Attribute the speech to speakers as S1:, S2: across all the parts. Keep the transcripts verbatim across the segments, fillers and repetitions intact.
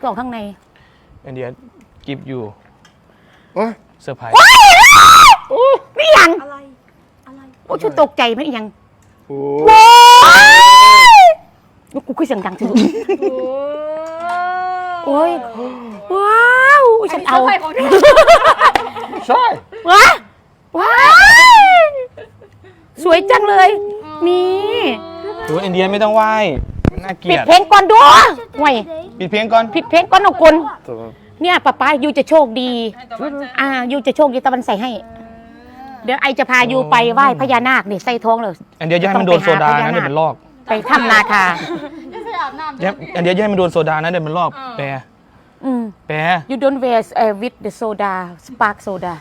S1: กล่องข้างใน
S2: อันเดียกิฟอยู่เซอร์ไพรส์
S1: ไม่ยัง
S3: อะไรอะไร
S1: โอ้ชุดตกใจไม่ยัง
S2: โอ้
S1: ยกูคุยเสียงดังทีโอ้ยว้าวฉันเอา
S2: ใช่
S1: ว้าว้าวสวยจังเลยนี่
S2: โอ้ยอินเดียไม่ต้องไหว้น่าเกลียด
S1: ปิดเพลงก่อนด้วยห่วย
S2: ปิดเพลงก่อน
S1: ปิดเพลงก่อนเอาคนเนี่ยป้าป้ายูจะโชคดีอ่ายูจะโชคดีตะวันใส่ให้เดี๋ยวไอจะพายูไปไหว้พญานาคเนี่ยใส่ท้องเลย
S2: อันเดียวจะให้มันโดนโซดานะเดี๋ยวมันลอก
S1: ไปถ้ำนาคา
S2: อันเดียวจะให้มันโดนโซดานะเดี๋ยวมันลอกแปรแปร
S1: you don't wear uh, with the soda spark soda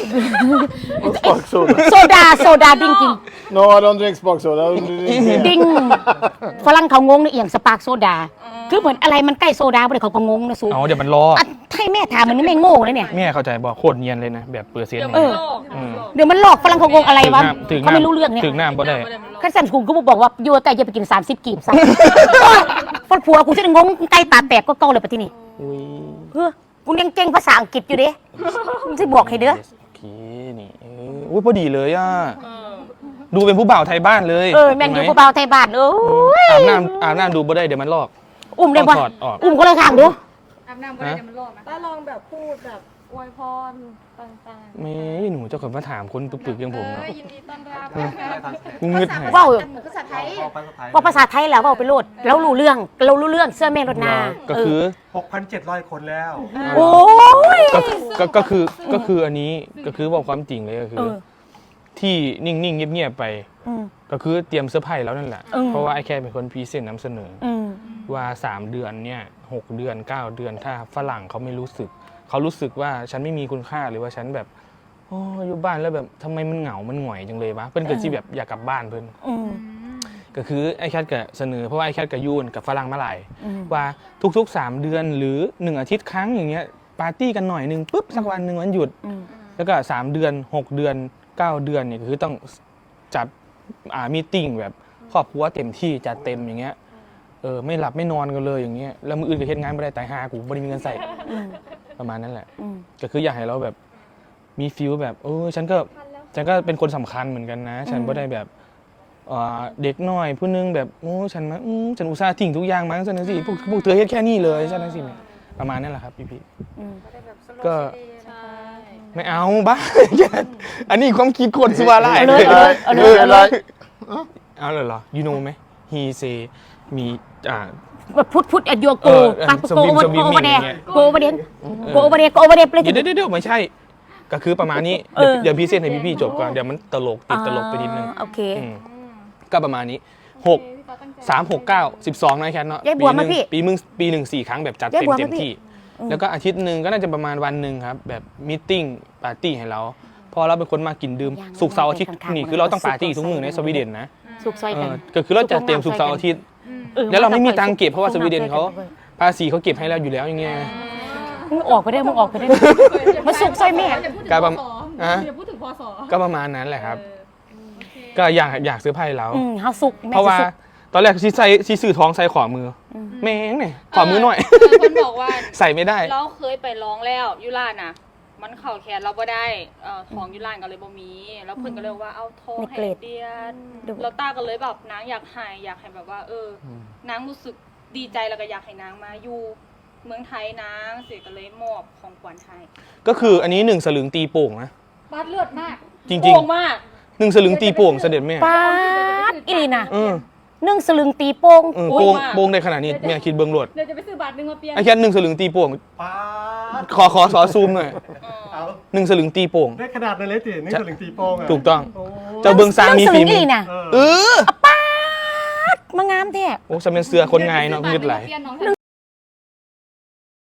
S4: spark soda
S1: soda soda ดิ้งจริง
S4: no I don't drink spark soda
S1: ดิ้งฝรั่งเขางงในเอียงสปาร์กโซดาคือเหมือนอะไรมันใกล้โซดาไปเลยเขาก็งงนะสู
S2: อ๋อเดี๋ยวมันลอก
S1: ให้แม่ถามมันไม่โง่เลยเนี่ย
S2: แม่เข้าใจบอกโคตรเนียนเลยนะแบบเปลือกเสียน
S1: เดี๋ยวมันหลอกฝรั่งเขางงอะไรวะเขาไม่รู้เรื่องเนี่ย
S2: ถึงหน้าบ่ได้
S1: ขั้นสันกูก็บอกว่ายูไก่จะไปกินสามสิบกีบซะฝรั่งผัวกูจะงงไก่ตาแตกก็เกาเลยปะที่นี่เฮ้ยกูยังเก่งภาษาอังกฤษอยู่เด้มึงจะบอกให้เด้อ
S2: โอเคนี่อุ้ยพอดีเลยอ่ะดูเป็นผู้บ่าวไทยบ้านเลย
S1: เออแม่งอยู่ผู้บ่าวไทยบ้านเออ
S2: อาบน้ำอาบน้ำดูบ่ได้เดี๋ยวมันลอก
S1: อุ้มได้ปะอุ้มก็เลยข้างดู
S3: อาบน้ำบ่ได้เดี๋ยวมันลอกนะแล้วลองแบบพูดแบบอวยพรต่าง
S2: ๆไม่หนูเจ้าคนมาถามคนปึกๆอย่างผมเนาะ
S3: ยินดีต้อนรับ
S2: กูงึดหาย
S1: ว่าภาษาไทยว่าภาษาไทยแล้วว่าไปโลดแล้วรู้เรื่องเรารู้เรื่องเสื้อแม่รถนา
S2: ก็คือ
S4: หกพันเจ็ดร้อย คนแล้ว
S1: โอ้ย
S2: ก็คือก็คืออันนี้ก็คือบอกความจริงเลยก็คือที่นิ่งๆเงียบๆไปก็คือเตรียมเสื้อผ้าแล้วนั่นแหละเพราะว่าไอ้แค่เป็นคนพรีเซนต์นำเสนอว่าสามเดือนเนี่ยหกเดือนเก้าเดือนถ้าฝรั่งเขาไม่รู้สึกเขารู้สึกว่าฉันไม่มีคุณค่าหรือว่าฉันแบบโอ้อยู่บ้านแล้วแบบทำไมมันเหงามันหงอยจังเลยวะเพื่อนเกิดที่แบบอยากกลับบ้านเพื่อนก็คือไอ้แคทก็เสนอเพราะว่าไอ้แคทกับยูนกับฝรั่งมาหลายว่าทุกๆสามเดือนหรือหนึ่งอาทิตย์ครั้งอย่างเงี้ยปาร์ตี้กันหน่อยนึงปุ๊บสักวันหนึ่งวันหยุดแล้วก็สามเดือนหกเดือนเก้าเดือนเนี่ยคือต้องจัดอ่ามีติ้งแบบครอบครัวเต็มที่จัดเต็มอย่างเงี้ยเออไม่หลับไม่นอนกันเลยอย่างเงี้ยแล้วมืออื่นก็เฮ็ดงานไม่ได้ตายหากูไม่ได้มีเงินใส่ประมาณนั้นแหละก็คืออยากให้เราแบบมีฟิลแบบเออฉันก็ฉันก็เป็นคนสำคัญเหมือนกันนะฉันไม่ได้แบบเด็กน้อยผู้นึงแบบโอ้ฉันมาฉันอุตส่าห์ทิ้งทุกอย่างมาฉันนั่นสิพวกพวกเธอเฮ็ดแค่นี้เลยฉันนั่นสิประมาณนั้นแหละครับพี่พี่ก็ไม่เอาบ้าอันนี้ความคิดคนสัวไล่
S1: เลยเอาเลยเอาเลย
S2: เอาเลยเหรอ you know ไหม he say มีอ่า
S1: พุทธพุทธอโยโกปักโกโอโกโอเวเดโกโอเวเดโกโอเวเดโกโอเวเดเลย
S2: เดี๋ยวเดี๋ยวไม่ใช่ก็คือประมาณนี้เดี๋ยวพี่เส้นให้พี่พี่จบก่อนเดี๋ยวมันตลกติดตลกไปนิดนึง
S1: โอเค
S2: ก็ประมาณนี้หกสามหกเก้าสิบสองนะแค่เนาะปีหนึ่งปีมึงปีหนึ่งสี่ครั้งแบบจัดเต็มเต็มที่แล้วก็อาทิตย์หนึ่งก็น่าจะประมาณวันหนึ่งครับแบบมีติ้งปาร์ตี้ให้เราพอเราเป็นคนมากินดื่มสุกเสาร์อาทิตย์นี่คือเราต้องปาร์ตี้ทุกมื้อในสวีเดนนะ
S1: สุกซอยกัน
S2: ก็คือเราจะเตรียมสุกเสาร์อาทิตย์แล้วเราไม่มีตังค์เก็บเพราะว่าสวีเดนเขาภาษีเขาเก็บให้เราอยู่แล้วอย่างเงี้ย
S1: มึงออกไปได้มึงออกไปได้มาสุกซอยแม่
S2: ก็ประมาณก็ประมาณนั้นแหละครับก็อยากอยากซื้อไพ่แล้วเพราะว่าตอนแรกชีใส่ชีสื่อท้องใส่ขวามือแม่งเนี่ยขวามือหน่อย
S3: คนบอกว่า
S2: ใส่ไม่ได้
S3: เราเคยไปร้องแล้วยุราน่ะมันเข่าแขนเราบ่ได้ของยุรานก็เลยบ่มีแล้วเพื่อนก็เลยว่าเอาทองให้เดียนเราต้าก็เลยแบบนางอยากหายอยากให้แบบว่าเออนางรู้สึกดีใจแล้วก็อยากให้นางมาอยู่เมืองไทยนางเสียก็เลยมอบของขวัญให้
S2: ก็คืออันนี้หนึ่งสลึงตีโป่งนะ
S3: บาดเลือดมาก
S2: จริงๆโป่งมากหนึ่งสลึงตีโป่งเสด็จแม่
S1: ปาดอีน่ะนึ่งสลึงตีโป่ง
S2: โป่งโป่งในขนาดนี้แม่คิดเบิ้งรวด
S3: เดี๋ยวจะไปซื้อบาทหนึ่งมาเปลี่ยน
S2: ไอ้แค่หนึ่งสลึงตีโป่งขอขอขอซูมหน่อยหนึ่งสลึงตีโป่ง
S4: ได้ขนาดนั้นเลยสิหนึ่งสลึงตีโป่ง
S2: ถูกต้องเจ้าเบิ้งซางมีฝีมือ
S1: เออปาดมางามแท้
S2: โอ้สมัยเสือคนไงเนาะมืดไหล